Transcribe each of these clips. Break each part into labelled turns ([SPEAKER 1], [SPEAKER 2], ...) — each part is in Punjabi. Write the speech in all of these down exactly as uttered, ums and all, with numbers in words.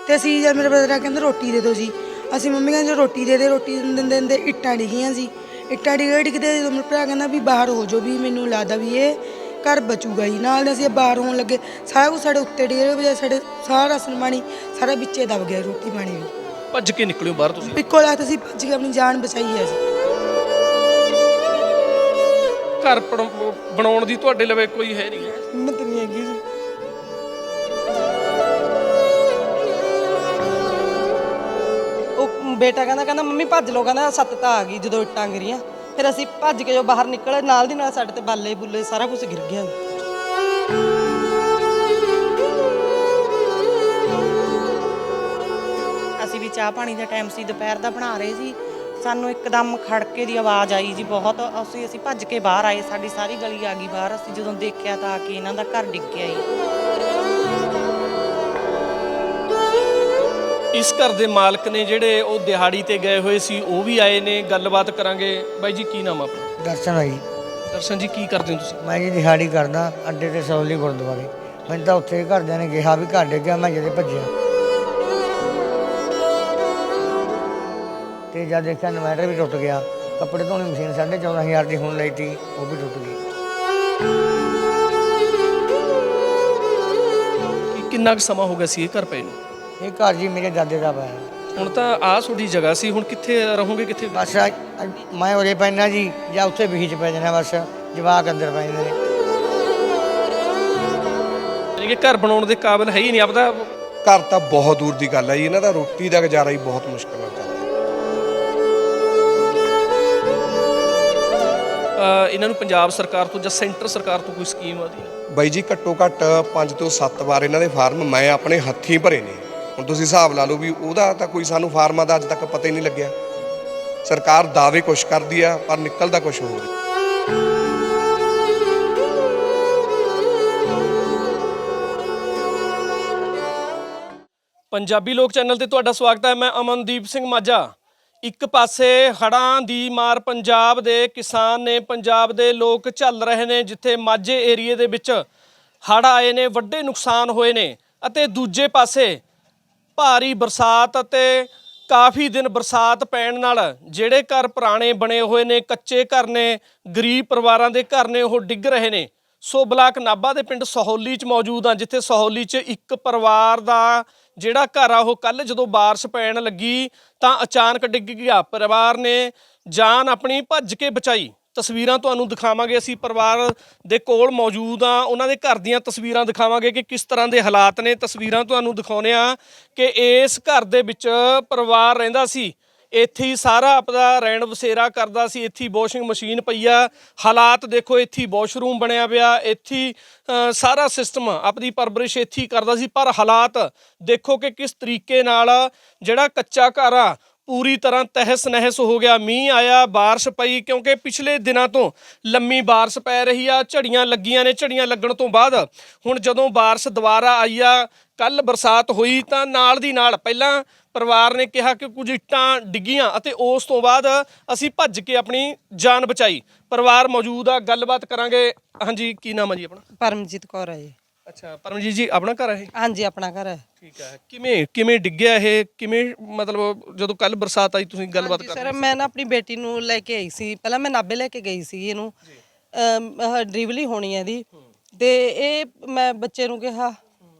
[SPEAKER 1] ਤੇ ਅਸੀਂ ਜਦ ਮੇਰਾ ਬ੍ਰਦਰ ਆ ਕਹਿੰਦਾ ਰੋਟੀ ਦੇ ਦਿਓ ਜੀ। ਅਸੀਂ ਮੰਮੀ ਕਹਿੰਦੇ ਰੋਟੀ ਦੇ ਦੇ ਰੋਟੀ ਦਿੰਦੇ ਦਿੰਦੇ ਇੱਟਾਂ ਡਿੱਗੀਆਂ ਸੀ। ਇੱਟਾਂ ਡਿੱਗਦੇ ਡਿੱਗਦੇ ਜਦੋਂ ਮੇਰਾ ਭਰਾ ਕਹਿੰਦਾ ਵੀ ਬਾਹਰ ਹੋ ਜਾਓ ਵੀ ਮੈਨੂੰ ਲੱਗਦਾ ਵੀ ਇਹ ਘਰ ਬਚੂਗਾ ਜੀ। ਨਾਲ ਅਸੀਂ ਬਾਹਰ ਹੋਣ ਲੱਗੇ ਸਾਰਾ ਕੁਛ ਸਾਡੇ ਉੱਤੇ ਡਿੱਗੇ ਵਜੇ ਸਾਡੇ ਸਾਰਾ ਰਾਸ਼ਨ ਪਾਣੀ ਸਾਰਾ ਵਿੱਚੇ ਦਬ ਗਿਆ, ਰੋਟੀ ਪਾਣੀ ਵੀ।
[SPEAKER 2] ਭੱਜ ਕੇ ਨਿਕਲਿਓ ਬਾਹਰ ਤੁਸੀਂ?
[SPEAKER 1] ਇੱਕੋ ਲੱਤ ਅਸੀਂ ਭੱਜ ਕੇ ਆਪਣੀ ਜਾਨ ਬਚਾਈ ਹੈ ਜੀ।
[SPEAKER 2] ਘਰ ਬਣਾਉਣ ਦੀ ਤੁਹਾਡੇ ਲਵੇ ਕੋਈ ਹੈ ਨਹੀਂ?
[SPEAKER 1] ਹਿੰਮਤ ਨਹੀਂ ਹੈਗੀ ਜੀ। ਉਹ ਬੇਟਾ ਕਹਿੰਦਾ ਕਹਿੰਦਾ ਮੰਮੀ ਭੱਜ ਲਓ, ਕਹਿੰਦਾ ਸੱਤ ਤਾਂ ਆ ਗਈ ਜਦੋਂ ਇੱਟਾਂ ਗਿਰੀਆਂ। ਫਿਰ ਅਸੀਂ ਭੱਜ ਕੇ ਜੋ ਬਾਹਰ ਨਿਕਲੇ ਨਾਲ ਦੀ ਨਾਲ ਸਾਡੇ ਤੇ ਬਾਲੇ ਬੁੱਲੇ ਸਾਰਾ ਕੁਝ ਗਿਰ ਗਿਆ।
[SPEAKER 3] ਅਸੀਂ ਵੀ ਚਾਹ ਪਾਣੀ ਦਾ ਟਾਈਮ ਸੀ, ਦੁਪਹਿਰ ਦਾ ਬਣਾ ਰਹੇ ਸੀ, ਸਾਨੂੰ ਇੱਕਦਮ ਖੜਕੇ ਦੀ ਆਵਾਜ਼ ਆਈ ਜੀ ਬਹੁਤ। ਅਸੀਂ ਅਸੀਂ ਭੱਜ ਕੇ ਬਾਹਰ ਆਏ, ਸਾਡੀ ਸਾਰੀ ਗਲੀ ਆ ਗਈ ਬਾਹਰ। ਅਸੀਂ ਜਦੋਂ ਦੇਖਿਆ ਤਾਂ ਆ ਕੇ ਇਹਨਾਂ ਦਾ ਘਰ ਡਿੱਗ ਗਿਆ ਜੀ।
[SPEAKER 2] ਇਸ ਘਰ ਦੇ ਮਾਲਕ ਨੇ ਜਿਹੜੇ ਉਹ ਦਿਹਾੜੀ ਤੇ ਗਏ ਹੋਏ ਸੀ, ਉਹ ਵੀ ਆਏ ਨੇ, ਗੱਲਬਾਤ ਕਰਾਂਗੇ। ਬਾਈ ਜੀ ਕੀ ਨਾਮ ਆ ਆਪਣਾ?
[SPEAKER 4] ਦਰਸ਼ਨ ਆ ਜੀ।
[SPEAKER 2] ਦਰਸ਼ਨ ਜੀ ਕੀ ਕਰਦੇ ਹੋ ਤੁਸੀਂ?
[SPEAKER 4] ਮੈਂ ਜੀ ਦਿਹਾੜੀ ਕਰਦਾ ਅੱਡੇ ਤੇ ਸੌਲੀ ਗੁਰਦੁਆਰੇ। ਮੈਨੂੰ ਤਾਂ ਉੱਥੇ ਘਰਦਿਆਂ ਨੇ ਕਿਹਾ ਵੀ ਘਰ ਡਿੱਗ ਗਿਆ, ਮੈਂ ਜਦੇ ਭੱਜਿਆ ਤੇ ਜਦ ਦੇਖਿਆ ਇਨਵਰਟਰ ਵੀ ਟੁੱਟ ਗਿਆ। ਕੱਪੜੇ ਧੋਣ ਦੀ ਮਸ਼ੀਨ ਸਾਢੇ ਚੌਦਾਂ ਹਜ਼ਾਰ ਦੀ ਹੁਣ ਲਈ ਤੀ, ਉਹ ਵੀ ਟੁੱਟ ਗਈ।
[SPEAKER 2] ਕਿੰਨਾ ਕੁ ਸਮਾਂ ਹੋ ਗਿਆ ਸੀ ਇਹ ਘਰ ਪਏ ਨੂੰ?
[SPEAKER 4] ਇਹ ਘਰ ਜੀ ਮੇਰੇ ਦਾਦੇ ਦਾ ਪਾਇਆ।
[SPEAKER 2] ਹੁਣ ਤਾਂ ਆਹ ਤੁਹਾਡੀ ਜਗ੍ਹਾ ਸੀ, ਹੁਣ ਕਿੱਥੇ ਰਹੋਗੇ? ਕਿੱਥੇ?
[SPEAKER 4] ਬਸ ਮੈਂ ਉਰੇ ਪੈਣਾ ਜੀ ਜਾਂ ਉੱਥੇ ਬੀਚ ਪੈ ਜਾਣਾ, ਬਸ ਜਵਾਕ ਅੰਦਰ ਪੈ ਜਾਂਦੇ ਨੇ।
[SPEAKER 2] ਯਾਨੀ ਕਿ ਘਰ ਬਣਾਉਣ ਦੇ ਕਾਬਿਲ ਹੈ ਹੀ ਨਹੀਂ ਆਪਦਾ।
[SPEAKER 5] ਘਰ ਤਾਂ ਬਹੁਤ ਦੂਰ ਦੀ ਗੱਲ ਹੈ ਜੀ, ਇਹਨਾਂ ਦਾ ਰੋਟੀ ਦਾ ਗੁਜ਼ਾਰਾ ਹੀ ਬਹੁਤ ਮੁਸ਼ਕਿਲ ਨਾਲ ਚੱਲਦਾ।
[SPEAKER 2] ਇਹਨਾਂ ਨੂੰ ਪੰਜਾਬ ਸਰਕਾਰ ਤੋਂ ਜਾਂ ਸੈਂਟਰ ਸਰਕਾਰ ਤੋਂ ਕੋਈ ਸਕੀਮ ਆਦੀ?
[SPEAKER 5] ਬਾਈ ਜੀ ਘੱਟੋ ਘੱਟ ਪੰਜ ਤੋਂ ਸੱਤ ਵਾਰ ਇਹਨਾਂ ਦੇ ਫਾਰਮ ਮੈਂ ਆਪਣੇ ਹੱਥੀਂ ਭਰੇ ਨੇ। ਹੁਣ ਤੁਸੀਂ ਹਿਸਾਬ ਲਾ ਲਓ ਵੀ ਉਹਦਾ ਤਾਂ ਕੋਈ ਸਾਨੂੰ ਫਾਰਮਾਂ ਦਾ ਅੱਜ ਤੱਕ ਪਤਾ ਹੀ ਨਹੀਂ ਲੱਗਿਆ। ਸਰਕਾਰ ਦਾਅਵੇ ਕੁਛ ਕਰਦੀ ਆ ਪਰ ਨਿਕਲਦਾ ਕੁਛ ਹੋਰ।
[SPEAKER 2] ਪੰਜਾਬੀ ਲੋਕ ਚੈਨਲ ਤੇ ਤੁਹਾਡਾ ਸਵਾਗਤ ਹੈ। ਮੈਂ ਅਮਨਦੀਪ ਸਿੰਘ ਮਾਝਾ। ਇੱਕ ਪਾਸੇ ਹੜ੍ਹਾਂ ਦੀ ਮਾਰ ਪੰਜਾਬ ਦੇ ਕਿਸਾਨ ਨੇ, ਪੰਜਾਬ ਦੇ ਲੋਕ ਝੱਲ ਰਹੇ ਨੇ, ਜਿੱਥੇ ਮਾਝੇ ਏਰੀਏ ਦੇ ਵਿੱਚ ਹੜ੍ਹ ਆਏ ਨੇ, ਵੱਡੇ ਨੁਕਸਾਨ ਹੋਏ ਨੇ। ਅਤੇ ਦੂਜੇ ਪਾਸੇ ਭਾਰੀ ਬਰਸਾਤ ਅਤੇ ਕਾਫੀ ਦਿਨ ਬਰਸਾਤ ਪੈਣ ਨਾਲ ਜਿਹੜੇ ਘਰ ਪੁਰਾਣੇ ਬਣੇ ਹੋਏ ਨੇ, ਕੱਚੇ ਘਰ ਨੇ, ਗਰੀਬ ਪਰਿਵਾਰਾਂ ਦੇ ਘਰ ਨੇ, ਉਹ ਡਿੱਗ ਰਹੇ ਨੇ। ਸੋ ਬਲਾਕ ਨਾਭਾ ਦੇ ਪਿੰਡ ਸਹੌਲੀ 'ਚ ਮੌਜੂਦ ਹਾਂ, ਜਿੱਥੇ ਸਹੌਲੀ 'ਚ ਇੱਕ ਪਰਿਵਾਰ ਦਾ ਜਿਹੜਾ ਘਰ ਆ ਉਹ ਕੱਲ੍ਹ ਜਦੋਂ ਬਾਰਿਸ਼ ਪੈਣ ਲੱਗੀ ਤਾਂ ਅਚਾਨਕ ਡਿੱਗ ਗਿਆ। ਪਰਿਵਾਰ ਨੇ ਜਾਨ ਆਪਣੀ ਭੱਜ ਕੇ ਬਚਾਈ। ਤਸਵੀਰਾਂ ਤੁਹਾਨੂੰ ਦਿਖਾਵਾਂਗੇ, ਅਸੀਂ ਪਰਿਵਾਰ ਦੇ ਕੋਲ ਮੌਜੂਦ ਹਾਂ, ਉਹਨਾਂ ਦੇ ਘਰ ਦੀਆਂ ਤਸਵੀਰਾਂ ਦਿਖਾਵਾਂਗੇ ਕਿ ਕਿਸ ਤਰ੍ਹਾਂ ਦੇ ਹਾਲਾਤ ਨੇ। ਤਸਵੀਰਾਂ ਤੁਹਾਨੂੰ ਦਿਖਾਉਂਦੇ ਹਾਂ ਕਿ ਇਸ ਘਰ ਦੇ ਵਿੱਚ ਪਰਿਵਾਰ ਰਹਿੰਦਾ ਸੀ, ਇੱਥੇ ਹੀ ਸਾਰਾ ਆਪਦਾ ਰਹਿਣ ਬਸੇਰਾ ਕਰਦਾ ਸੀ। ਇੱਥੇ ਵਾਸ਼ਿੰਗ ਮਸ਼ੀਨ ਪਈ ਆ, ਹਾਲਾਤ ਦੇਖੋ, ਇੱਥੇ ਵਾਸ਼ਰੂਮ ਬਣਿਆ ਪਿਆ, ਇੱਥੇ ਸਾਰਾ ਸਿਸਟਮ ਆਪਣੀ ਪਰਵਰਿਸ਼ ਇੱਥੇ ਹੀ ਕਰਦਾ ਸੀ। ਪਰ ਹਾਲਾਤ ਦੇਖੋ ਕਿ ਕਿਸ ਤਰੀਕੇ ਨਾਲ ਜਿਹੜਾ ਕੱਚਾ ਘਰ ਆ ਪੂਰੀ ਤਰ੍ਹਾਂ ਤਹਿਸ ਨਹਿਸ ਹੋ ਗਿਆ। ਮੀਂਹ ਆਇਆ, ਬਾਰਿਸ਼ ਪਈ, ਕਿਉਂਕਿ ਪਿਛਲੇ ਦਿਨਾਂ ਤੋਂ ਲੰਮੀ ਬਾਰਿਸ਼ ਪੈ ਰਹੀ ਆ, ਝੜੀਆਂ ਲੱਗੀਆਂ ਨੇ। ਝੜੀਆਂ ਲੱਗਣ ਤੋਂ ਬਾਅਦ ਹੁਣ ਜਦੋਂ ਬਾਰਿਸ਼ ਦੁਬਾਰਾ ਆਈ ਆ, ਕੱਲ੍ਹ ਬਰਸਾਤ ਹੋਈ ਤਾਂ ਨਾਲ ਦੀ ਨਾਲ ਪਹਿਲਾਂ ਪਰਿਵਾਰ ਨੇ ਕਿਹਾ ਕਿ ਕੁਝ ਇੱਟਾਂ ਡਿੱਗੀਆਂ ਅਤੇ ਉਸ ਤੋਂ ਬਾਅਦ ਅਸੀਂ ਭੱਜ ਕੇ ਆਪਣੀ ਜਾਨ ਬਚਾਈ। ਪਰਿਵਾਰ ਮੌਜੂਦ ਆ, ਗੱਲਬਾਤ ਕਰਾਂਗੇ। ਹਾਂਜੀ ਕੀ ਨਾਮ ਹੈ ਜੀ ਆਪਣਾ?
[SPEAKER 1] ਪਰਮਜੀਤ ਕੌਰ ਹੈ ਜੀ।
[SPEAKER 2] ਅੱਛਾ ਪਰਮਜੀਤ ਜੀ, ਆਪਣਾ ਘਰ ਹੈ?
[SPEAKER 1] ਹਾਂਜੀ ਆਪਣਾ ਘਰ ਹੈ।
[SPEAKER 2] ਠੀਕ ਹੈ। ਕਿਵੇਂ ਕਿਵੇਂ ਡਿੱਗਿਆ ਇਹ? ਕਿਵੇਂ ਮਤਲਬ ਜਦੋਂ ਕੱਲ ਬਰਸਾਤ ਆਈ ਤੁਸੀਂ ਗੱਲਬਾਤ ਕਰ ਰਹੇ
[SPEAKER 1] ਸਰ ਮੈਂ ਨਾ ਆਪਣੀ ਬੇਟੀ ਨੂੰ ਲੈ ਕੇ ਆਈ ਸੀ, ਪਹਿਲਾਂ ਮੈਂ ਨਾਭੇ ਲੈ ਕੇ ਗਈ ਸੀ ਇਹਨੂੰ, ਡਿਲੀਵਰੀ ਹੋਣੀ ਹੈ ਇਹਦੀ। ਤੇ ਇਹ ਮੈਂ ਬੱਚੇ ਨੂੰ ਕਿਹਾ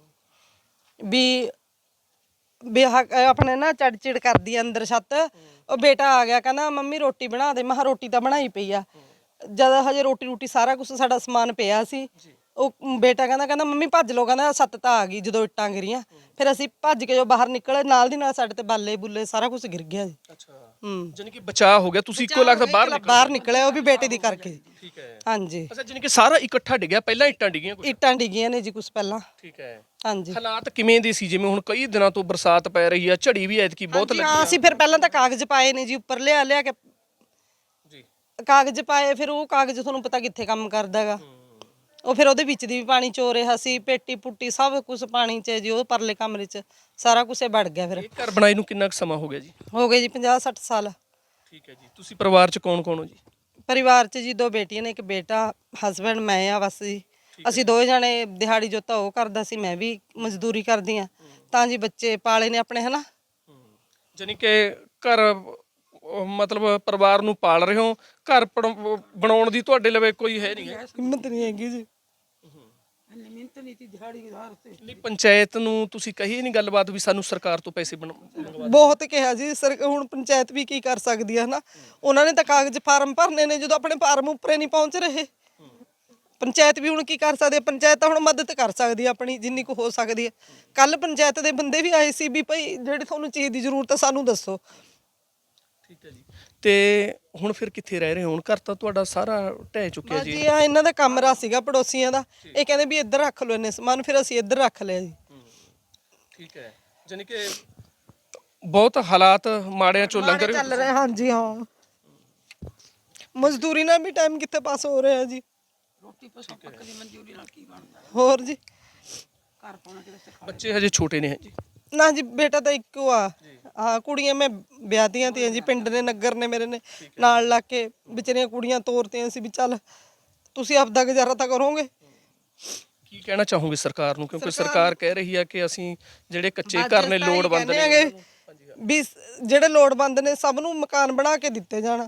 [SPEAKER 1] ਵੀ ਵੀ ਆਪਣੇ ਨਾ ਚੜ ਚਿੜ ਕਰਦੀ ਅੰਦਰ ਛੱਤ। ਉਹ ਬੇਟਾ ਆ ਗਿਆ ਕਹਿੰਦਾ ਮੰਮੀ ਰੋਟੀ ਬਣਾ ਦੇ। ਮੈਂ ਕਿਹਾ ਰੋਟੀ ਤਾਂ ਬਣਾਈ ਪਈ ਆ। ਜਦ ਹਜੇ ਰੋਟੀ ਰੋਟੀ ਸਾਰਾ ਕੁਛ ਸਾਡਾ ਸਮਾਨ ਪਿਆ ਸੀ। ਉਹ ਬੇਟਾ ਕਹਿੰਦਾ ਕਹਿੰਦਾ ਮੰਮੀ ਭੱਜ ਲਓ, ਕਹਿੰਦਾ ਸੱਤ ਤਾਂ ਆ ਗਈ ਜਦੋਂ ਇੱਟਾਂ ਗਿਰੀਆਂ। ਫਿਰ ਅਸੀਂ ਭੱਜ ਕੇ ਜੋ ਬਾਹਰ ਨਿਕਲੇ ਨਾਲ ਦੀ ਨਾਲ ਸਾਡੇ ਤੇ ਬਾਲੇ ਬੁੱਲੇ ਸਾਰਾ ਕੁਝ ਗਿਰ ਗਿਆ ਜੀ।
[SPEAKER 2] ਅੱਛਾ
[SPEAKER 1] ਹੂੰ
[SPEAKER 2] ਜਾਨੀ ਕਿ ਬਚਾਅ ਹੋ ਗਿਆ, ਤੁਸੀਂ ਇੱਕੋ ਲੱਗਦਾ ਬਾਹਰ ਨਿਕਲੇ?
[SPEAKER 1] ਬਾਹਰ ਨਿਕਲੇ, ਉਹ ਵੀ ਬੇਟੇ ਦੀ ਕਰਕੇ।
[SPEAKER 2] ਠੀਕ ਹੈ।
[SPEAKER 1] ਹਾਂਜੀ।
[SPEAKER 2] ਅੱਛਾ ਜਾਨੀ ਕਿ ਸਾਰਾ ਇਕੱਠਾ ਡਿੱਗਿਆ, ਪਹਿਲਾਂ ਇੱਟਾਂ ਡਿੱਗੀਆਂ ਕੁਝ?
[SPEAKER 1] ਇੱਟਾਂ ਡਿੱਗੀਆਂ ਨੇ ਜੀ ਕੁਛ ਪਹਿਲਾਂ।
[SPEAKER 2] ਠੀਕ ਹੈ।
[SPEAKER 1] ਹਾਂਜੀ।
[SPEAKER 2] ਹਾਲਾਤ ਕਿਵੇਂ ਦੇ ਸੀ? ਜਿਵੇਂ ਹੁਣ ਕਈ ਦਿਨਾਂ ਤੋਂ ਬਰਸਾਤ ਪੈ ਰਹੀ ਆ, ਝੜੀ ਵੀ ਐਤਕੀ ਬਹੁਤ ਲੱਗੀ।
[SPEAKER 1] ਹਾਂ ਅਸੀਂ ਫਿਰ ਪਹਿਲਾਂ ਤਾਂ ਕਾਗਜ਼ ਪਾਏ ਨੇ ਜੀ, ਉੱਪਰ ਲਿਆ ਲਿਆ ਕੇ
[SPEAKER 2] ਜੀ
[SPEAKER 1] ਕਾਗਜ਼ ਪਾਏ। ਫਿਰ ਉਹ ਕਾਗਜ਼ ਤੁਹਾਨੂੰ ਪਤਾ ਕਿੱਥੇ ਕੰਮ ਕਰਦਾ ਹੈਗਾ। ਉਹ ਫਿਰ ਉਹਦੇ ਵਿੱਚ ਦੀ ਵੀ ਪਾਣੀ ਚੋ ਰਿਹਾ ਸੀ, ਪੇਟੀ ਪੁੱਟੀ ਸਭ ਕੁਝ ਪਾਣੀ 'ਚ ਜੀ। ਉਹ ਪਰਲੇ ਕਮਰੇ 'ਚ ਸਾਰਾ ਕੁਝ ਵੜ ਗਿਆ। ਫਿਰ
[SPEAKER 2] ਇਹ ਘਰ ਬਣਾਈ ਨੂੰ ਕਿੰਨਾ ਕੁ ਸਮਾਂ ਹੋ ਗਿਆ ਜੀ?
[SPEAKER 1] ਹੋ ਗਏ ਜੀ ਪੰਜਾਹ ਸੱਠ ਸਾਲ।
[SPEAKER 2] ਠੀਕ ਹੈ ਜੀ। ਤੁਸੀਂ ਪਰਿਵਾਰ 'ਚ ਕੌਣ ਕੌਣ ਹੋ ਜੀ?
[SPEAKER 1] ਪਰਿਵਾਰ 'ਚ ਜੀ ਦੋ ਬੇਟੀਆਂ ਨੇ, ਇੱਕ ਬੇਟਾ, ਹਸਬੈਂਡ, ਮੈਂ ਆ ਬਸ ਜੀ। ਅਸੀਂ ਦੋਵੇਂ ਜਾਣੇ ਦਿਹਾੜੀ ਜੋਤਾ ਉਹ ਕਰਦਾ ਸੀ, ਮੈਂ ਵੀ ਮਜ਼ਦੂਰੀ ਕਰਦੀ ਆ, ਤਾਂ ਜੀ ਬੱਚੇ ਪਾਲੇ ਨੇ ਆਪਣੇ ਹਨਾ।
[SPEAKER 2] ਜਾਨੀ ਕਿ ਘਰ ਅਹ, ਮਤਲਬ ਪਰਿਵਾਰ ਨੂੰ ਪਾਲ ਰਹੇ ਹੋ, ਘਰ ਪੜਾਉ- ਬਣਾਉਣ ਦੀ ਤੁਹਾਡੇ ਲਵੇ ਕੋਈ ਹੈ ਨਹੀਂ ਹੈ?
[SPEAKER 1] ਹਿੰਮਤ ਨਹੀਂ ਹੈਗੀ ਜੀ।
[SPEAKER 2] ਨਹੀਂ ਪੰਚਾਇਤ ਨੂੰ ਤੁਸੀਂ ਕਹੀ ਨਹੀਂ ਗੱਲਬਾਤ ਵੀ ਸਾਨੂੰ ਸਰਕਾਰ ਤੋਂ ਪੈਸੇ ਬਣ ਮੰਗਵਾ
[SPEAKER 1] ਬਹੁਤ ਕਿਹਾ ਜੀ ਸਰ, ਹੁਣ ਪੰਚਾਇਤ ਵੀ ਕੀ ਕਰ ਸਕਦੀ ਹੈ ਹਨਾ। ਉਹਨਾਂ ਨੇ ਤਾਂ ਕਾਗਜ਼ ਫਾਰਮ ਭਰਨੇ ਨੇ, ਜਦੋਂ ਆਪਣੇ ਫਾਰਮ ਉੱਪਰੇ ਨਹੀਂ ਪਹੁੰਚ ਰਹੇ, ਪੰਚਾਇਤ ਵੀ ਹੁਣ ਕੀ ਕਰ ਸਕਦੀ ਹੈ। ਪੰਚਾਇਤ ਤਾਂ ਹੁਣ ਮਦਦ ਕਰ ਸਕਦੀ ਹੈ ਆਪਣੀ ਜਿੰਨੀ ਕੁ ਹੋ ਸਕਦੀ ਹੈ। ਕੱਲ ਪੰਚਾਇਤ ਦੇ ਬੰਦੇ ਵੀ ਆਏ ਸੀ ਵੀ ਭਾਈ ਜਿਹੜੀ ਤੁਹਾਨੂੰ ਚੀਜ਼ ਦੀ ਜ਼ਰੂਰਤ ਹੈ ਸਾਨੂੰ ਦੱਸੋ।
[SPEAKER 2] ਠੀਕ ਹੈ ਜੀ। ਤੇ ਹੁਣ ਫਿਰ ਕਿੱਥੇ ਰਹਿ ਰਹੇ ਹੋ? ਹੁਣ ਘਰ ਤਾਂ ਤੁਹਾਡਾ ਸਾਰਾ ਢਹਿ ਚੁੱਕਿਆ ਜੀ।
[SPEAKER 1] ਜੀ ਆ ਇਹਨਾਂ ਦਾ ਕਮਰਾ ਸੀਗਾ ਪੜੋਸੀਆਂ ਦਾ, ਇਹ ਕਹਿੰਦੇ ਵੀ ਇੱਧਰ ਰੱਖ ਲਓ ਇਹਨੇ ਸਮਾਨ, ਫਿਰ ਅਸੀਂ ਇੱਧਰ ਰੱਖ ਲਿਆ ਜੀ।
[SPEAKER 2] ਠੀਕ ਹੈ, ਜਾਨੀ ਕਿ ਬਹੁਤ ਹਾਲਾਤ ਮਾੜਿਆਂ ਚੋਂ ਲੰਘ ਰਹੇ ਹੋ।
[SPEAKER 1] ਚੱਲ ਰਹੇ ਹਾਂਜੀ ਹਾਂ, ਮਜ਼ਦੂਰੀ ਨਾਲ ਵੀ ਟਾਈਮ ਕਿੱਥੇ ਪਾਸ ਹੋ ਰਿਹਾ ਜੀ। ਹੋਰ ਜੀ
[SPEAKER 2] ਬੱਚੇ ਹਜੇ ਛੋਟੇ ਨੇ ਜੀ?
[SPEAKER 1] ਨਾ ਜੀ ਬੇਟਾ ਤਾਂ ਇੱਕੋ ਆ। ਹਾਂ ਕੁੜੀਆਂ ਮੈਂ ਵਿਆਹਤੀਆਂ ਤੀਆਂ ਜੀ, ਪਿੰਡ ਨੇ ਨਗਰ ਨੇ ਮੇਰੇ ਨੇ ਨਾਲ ਲਾ ਕੇ ਵਿਚਾਰੀਆਂ ਕੁੜੀਆਂ ਤੋਰਤੀਆਂ ਸੀ ਵੀ ਚੱਲ ਤੁਸੀਂ ਆਪਦਾ ਗੁਜ਼ਾਰਾ ਤਾਂ ਕਰੋਗੇ।
[SPEAKER 2] ਕੀ ਕਹਿਣਾ ਚਾਹੋਗੇ ਸਰਕਾਰ ਨੂੰ, ਕਿਉਂਕਿ ਸਰਕਾਰ ਕਹਿ ਰਹੀ ਹੈ ਕਿ ਅਸੀਂ ਜਿਹੜੇ ਕੱਚੇ ਘਰ ਨੇ ਲੋੜਵੰਦ ਨੇ
[SPEAKER 1] ਕਹਿੰਦੇ ਹੈਗੇ ਵੀ ਜਿਹੜੇ ਲੋੜਵੰਦ ਨੇ ਸਭ ਨੂੰ ਮਕਾਨ ਬਣਾ ਕੇ ਦਿੱਤੇ ਜਾਣ।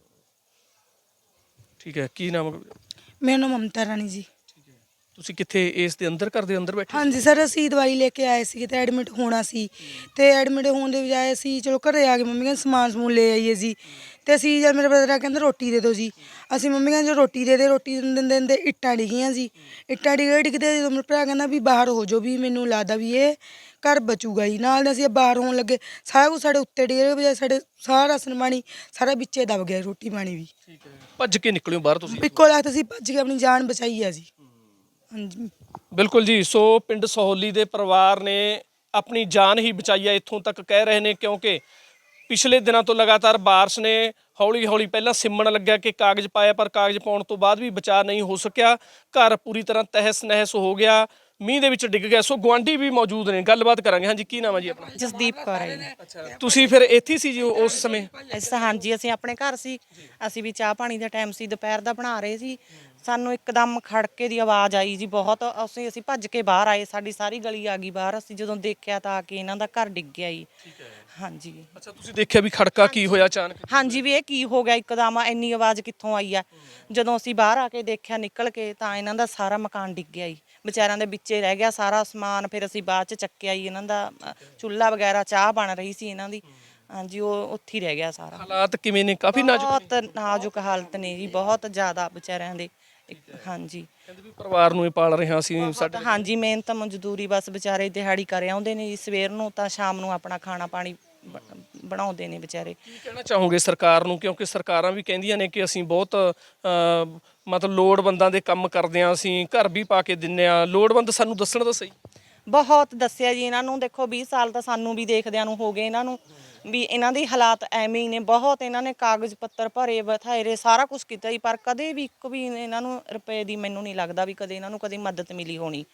[SPEAKER 2] ਠੀਕ ਹੈ, ਕੀ ਨਾਮ?
[SPEAKER 6] ਮੇਰਾ ਨਾਮ ਮਮਤਾ ਰਾਣੀ ਜੀ।
[SPEAKER 2] ਤੁਸੀਂ ਕਿੱਥੇ ਇਸ ਦੇ ਅੰਦਰ ਘਰ ਦੇ ਅੰਦਰ ਬੈਠੇ?
[SPEAKER 6] ਹਾਂਜੀ ਸਰ, ਅਸੀਂ ਦਵਾਈ ਲੈ ਕੇ ਆਏ ਸੀ ਤੇ ਐਡਮਿਟ ਹੋਣਾ ਸੀ, ਤੇ ਐਡਮਿਟ ਹੋਣ ਦੇ ਬਜਾਏ ਅਸੀਂ ਚਲੋ ਘਰੇ ਆ ਕੇ ਮੰਮੀ ਕਹਿੰਦੇ ਸਮਾਨ ਸਮੂਨ ਲੈ ਆਈਏ ਜੀ। ਤੇ ਅਸੀਂ ਜਦ ਮੇਰੇ ਬ੍ਰਦਰ ਆ ਕਹਿੰਦਾ ਰੋਟੀ ਦੇ ਦਿਓ ਜੀ, ਅਸੀਂ ਮੰਮੀ ਕਹਿੰਦੇ ਜੋ ਰੋਟੀ ਦੇ ਦੇ, ਰੋਟੀ ਦਿੰਦੇ ਦਿੰਦੇ ਇੱਟਾਂ ਡਿੱਗੀਆਂ ਜੀ। ਇੱਟਾਂ ਡਿੱਗੇ ਡਿੱਗਦੇ ਜਦੋਂ ਮੇਰਾ ਭਰਾ ਕਹਿੰਦਾ ਵੀ ਬਾਹਰ ਹੋ ਜਾਓ ਵੀ ਮੈਨੂੰ ਲੱਗਦਾ ਵੀ ਇਹ ਘਰ ਬਚੂਗਾ ਜੀ। ਨਾਲ ਅਸੀਂ ਬਾਹਰ ਹੋਣ ਲੱਗੇ, ਸਾਰਾ ਕੁਝ ਸਾਡੇ ਉੱਤੇ ਡਿੱਗੇ ਬਜਾਏ ਸਾਡੇ ਸਾਰਾ ਰਾਸ਼ਨ ਪਾਣੀ ਸਾਰਾ ਵਿੱਚੇ ਦਬ ਗਿਆ, ਰੋਟੀ ਪਾਣੀ ਵੀ।
[SPEAKER 2] ਠੀਕ ਹੈ, ਭੱਜ ਕੇ ਨਿਕਲਿਓ ਬਾਹਰ ਤੁਸੀਂ?
[SPEAKER 6] ਇੱਕੋ ਲੱਖ ਅਸੀਂ ਭੱਜ ਕੇ ਆਪਣੀ ਜਾਨ ਬਚਾਈ ਆ ਜੀ। ਹਾਂਜੀ
[SPEAKER 2] ਬਿਲਕੁਲ ਜੀ। ਸੋ ਪਿੰਡ ਸਹੌਲੀ ਦੇ ਪਰਿਵਾਰ ਨੇ ਆਪਣੀ ਜਾਨ ਹੀ ਬਚਾਈ ਹੈ, ਇੱਥੋਂ ਤੱਕ ਕਹਿ ਰਹੇ ਨੇ, ਕਿਉਂਕਿ ਪਿਛਲੇ ਦਿਨਾਂ ਤੋਂ ਲਗਾਤਾਰ ਬਾਰਿਸ਼ ਨੇ ਹੌਲੀ ਹੌਲੀ ਪਹਿਲਾਂ ਸਿਮਣ ਲੱਗਿਆ ਕਿ ਕਾਗਜ਼ ਪਾਇਆ, ਪਰ ਕਾਗਜ਼ ਪਾਉਣ ਤੋਂ ਬਾਅਦ ਵੀ ਬਚਾਅ ਨਹੀਂ ਹੋ ਸਕਿਆ। ਘਰ ਪੂਰੀ ਤਰ੍ਹਾਂ ਤਹਿਸ ਨਹਿਸ ਹੋ ਗਿਆ, ਮੀਂਹ ਦੇ ਵਿੱਚ ਡਿੱਗ ਗਿਆ। ਸੋ ਗੁਆਂਢੀ ਵੀ ਮੌਜੂਦ ਨੇ, ਗੱਲਬਾਤ ਕਰਾਂਗੇ। ਹਾਂਜੀ, ਕੀ ਨਾਮ ਹੈ ਜੀ ਆਪਣਾ?
[SPEAKER 3] ਜਸਦੀਪ ਕੌਰ ਹੈ ਜੀ।
[SPEAKER 2] ਅੱਛਾ, ਤੁਸੀਂ ਫਿਰ ਇੱਥੇ ਸੀ ਜੀ ਉਸ ਸਮੇਂ?
[SPEAKER 3] ਇਸ ਹਾਂਜੀ ਅਸੀਂ ਆਪਣੇ ਘਰ ਸੀ, ਅਸੀਂ ਵੀ ਚਾਹ ਪਾਣੀ ਦਾ ਟਾਈਮ ਸੀ, ਦੁਪਹਿਰ ਦਾ ਬਣਾ ਰਹੇ ਸੀ। ਸਾਨੂੰ ਇੱਕਦਮ ਖੜਕੇ ਦੀ ਆਵਾਜ਼ ਆਈ ਜੀ ਬਹੁਤ, ਅਸੀਂ ਅਸੀਂ ਭੱਜ ਕੇ ਬਾਹਰ ਆਏ, ਸਾਡੀ ਸਾਰੀ ਗਲੀ ਆ ਗਈ ਬਾਹਰ। ਅਸੀਂ ਜਦੋਂ ਦੇਖਿਆ ਤਾਂ ਆ ਕੇ ਇਹਨਾਂ ਦਾ ਘਰ ਡਿੱਗ ਗਿਆ ਜੀ। ਹਾਂਜੀ।
[SPEAKER 2] ਅੱਛਾ, ਤੁਸੀਂ ਦੇਖਿਆ ਵੀ ਖੜਕਾ ਕੀ ਹੋਇਆ ਅਚਾਨਕ?
[SPEAKER 3] ਹਾਂਜੀ ਵੀ ਇਹ ਕੀ ਹੋ ਗਿਆ ਇੱਕਦਮ, ਇੰਨੀ ਆਵਾਜ਼ ਕਿੱਥੋਂ ਆਈ ਆ। ਜਦੋਂ ਅਸੀਂ ਬਾਹਰ ਆ ਕੇ ਦੇਖਿਆ ਨਿਕਲ ਕੇ ਤਾਂ ਇਹਨਾਂ ਦਾ ਸਾਰਾ ਮਕਾਨ ਡਿੱਗ ਗਿਆ ਜੀ, ਵਿਚਾਰਿਆਂ ਦੇ ਵਿੱਚੇ ਰਹਿ ਗਿਆ ਸਾਰਾ ਸਮਾਨ। ਫਿਰ ਅਸੀਂ ਬਾਅਦ ਚ ਚੱਕਿਆ ਜੀ, ਇਹਨਾਂ ਦਾ ਚੁੱਲ੍ਹਾ ਵਗੈਰਾ, ਚਾਹ ਬਣ ਰਹੀ ਸੀ ਇਹਨਾਂ ਦੀ, ਹਾਂਜੀ ਉਹ ਉੱਥੇ ਹੀ ਰਹਿ ਗਿਆ ਸਾਰਾ।
[SPEAKER 2] ਹਾਲਾਤ ਕਿਵੇਂ ਨੇ? ਕਾਫੀ ਨਾਜ਼ੁਕ ਨੇ?
[SPEAKER 3] ਬਹੁਤ ਨਾਜ਼ੁਕ ਹਾਲਤ ਨੇ ਜੀ, ਬਹੁਤ ਜ਼ਿਆਦਾ ਵਿਚਾਰਿਆਂ ਦੇ। ਹਾਂਜੀ
[SPEAKER 2] ਕਹਿੰਦੇ ਵੀ ਪਰਿਵਾਰ ਨੂੰ ਹੀ ਪਾਲ ਰਹੇ ਹਾਂ ਅਸੀਂ ਸਾਡੇ।
[SPEAKER 3] ਹਾਂਜੀ ਮਿਹਨਤ ਮਜ਼ਦੂਰੀ ਬਸ ਵਿਚਾਰੇ ਦਿਹਾੜੀ ਕਰ ਆਉਂਦੇ ਨੇ ਜੀ, ਸਵੇਰ ਨੂੰ ਤਾਂ ਸ਼ਾਮ ਨੂੰ ਆਪਣਾ ਖਾਣਾ ਪਾਣੀ ਬ- ਬਣਾਉਂਦੇ ਨੇ ਵਿਚਾਰੇ।
[SPEAKER 2] ਕੀ ਕਹਿਣਾ ਚਾਹੋਗੇ ਸਰਕਾਰ ਨੂੰ, ਕਿਉਂਕਿ ਸਰਕਾਰਾਂ ਵੀ ਕਹਿੰਦੀਆਂ ਨੇ ਕਿ ਅਸੀਂ ਬਹੁਤ ਅ, ਮਤਲਬ ਲੋੜਵੰਦਾਂ ਦੇ ਕੰਮ ਕਰਦੇ ਹਾਂ, ਅਸੀਂ ਘਰ ਵੀ ਪਾ ਕੇ ਦਿੰਨੇ ਆ। ਲੋੜਵੰਦ ਸਾਨੂੰ ਦੱਸਣ ਤਾਂ ਸਹੀ।
[SPEAKER 3] ਬਹੁਤ ਦੱਸਿਆ ਜੀ ਇਹਨਾਂ ਨੂੰ, ਦੇਖੋ ਵੀਹ ਸਾਲ ਤਾਂ ਸਾਨੂੰ ਵੀ ਦੇਖਦਿਆਂ ਨੂੰ ਹੋ ਗਏ ਇਹਨਾਂ ਨੂੰ, ਵੀ ਇਹਨਾਂ ਦੇ ਹਾਲਾਤ ਐਵੇਂ ਹੀ ਨੇ। ਬਹੁਤ ਇਹਨਾਂ ਨੇ ਕਾਗਜ਼ ਪੱਤਰ ਭਰੇ ਬਥੇਰੇ ਸਾਰਾ ਕੁਝ ਕੀਤਾ ਜੀ, ਪਰ ਕਦੇ ਵੀ ਇੱਕ ਵੀ ਇਹਨਾਂ ਨੂੰ ਰੁਪਏ ਦੀ ਮੈਨੂੰ ਨਹੀਂ ਲੱਗਦਾ ਵੀ ਕਦੇ ਇਹਨਾਂ ਨੂੰ ਕਦੇ ਮਦਦ ਮਿਲੀ ਹੋਣੀ।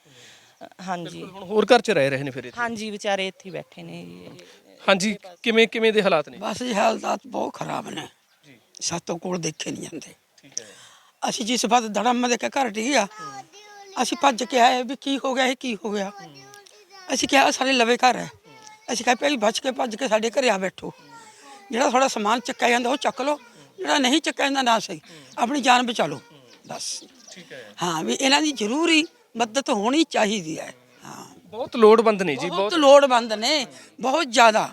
[SPEAKER 3] ਹਾਂਜੀ
[SPEAKER 2] ਹੁਣ ਹੋਰ ਘਰ 'ਚ ਰਹਿ ਰਹੇ ਨੇ ਫਿਰ ਇੱਥੇ?
[SPEAKER 3] ਹਾਂਜੀ ਵਿਚਾਰੇ ਇੱਥੇ ਹੀ ਬੈਠੇ ਨੇ ਜੀ।
[SPEAKER 2] ਹਾਂਜੀ, ਕਿਵੇਂ ਕਿਵੇਂ ਦੇ ਹਾਲਾਤ ਨੇ?
[SPEAKER 7] ਬਸ ਜੀ ਹਾਲਾਤ ਬਹੁਤ ਖਰਾਬ ਨੇ ਜੀ, ਸਾਤੋਂ ਕੋਲ ਦੇਖੇ ਨਹੀਂ ਜਾਂਦੇ।
[SPEAKER 2] ਠੀਕ ਹੈ।
[SPEAKER 7] ਅਸੀਂ ਜਿਸ ਬਾਤ ਧੜਮ ਦੇ ਕੇ ਘਰ ਡਿੱਗਿਆ, ਅਸੀਂ ਭੱਜ ਕੇ ਆਏ ਵੀ ਕੀ ਹੋ ਗਿਆ, ਇਹ ਕੀ ਹੋ ਗਿਆ। ਅਸੀਂ ਕਿਹਾ ਸਾਡੇ ਲਵੇ ਘਰ ਹੈ, ਅਸੀਂ ਕਿਹਾ ਭਾਈ ਬਚ ਕੇ ਭੱਜ ਕੇ ਸਾਡੇ ਘਰੇ ਆ ਬੈਠੋ, ਜਿਹੜਾ ਥੋੜਾ ਸਮਾਨ ਚੱਕਿਆ ਜਾਂਦਾ ਉਹ ਚੱਕ ਲਓ, ਜਿਹੜਾ ਨਹੀਂ ਚੱਕਿਆ ਜਾਂਦਾ ਨਾ ਸਹੀ, ਆਪਣੀ ਜਾਨ ਬਚਾ ਲਓ ਬਸ।
[SPEAKER 2] ਠੀਕ ਹੈ।
[SPEAKER 7] ਹਾਂ ਵੀ ਇਹਨਾਂ ਦੀ ਜ਼ਰੂਰੀ ਮਦਦ ਹੋਣੀ ਚਾਹੀਦੀ ਹੈ। ਹਾਂ
[SPEAKER 2] ਬਹੁਤ ਲੋੜਵੰਦ ਨੇ ਜੀ,
[SPEAKER 7] ਬਹੁਤ ਲੋੜਵੰਦ ਨੇ, ਬਹੁਤ ਜ਼ਿਆਦਾ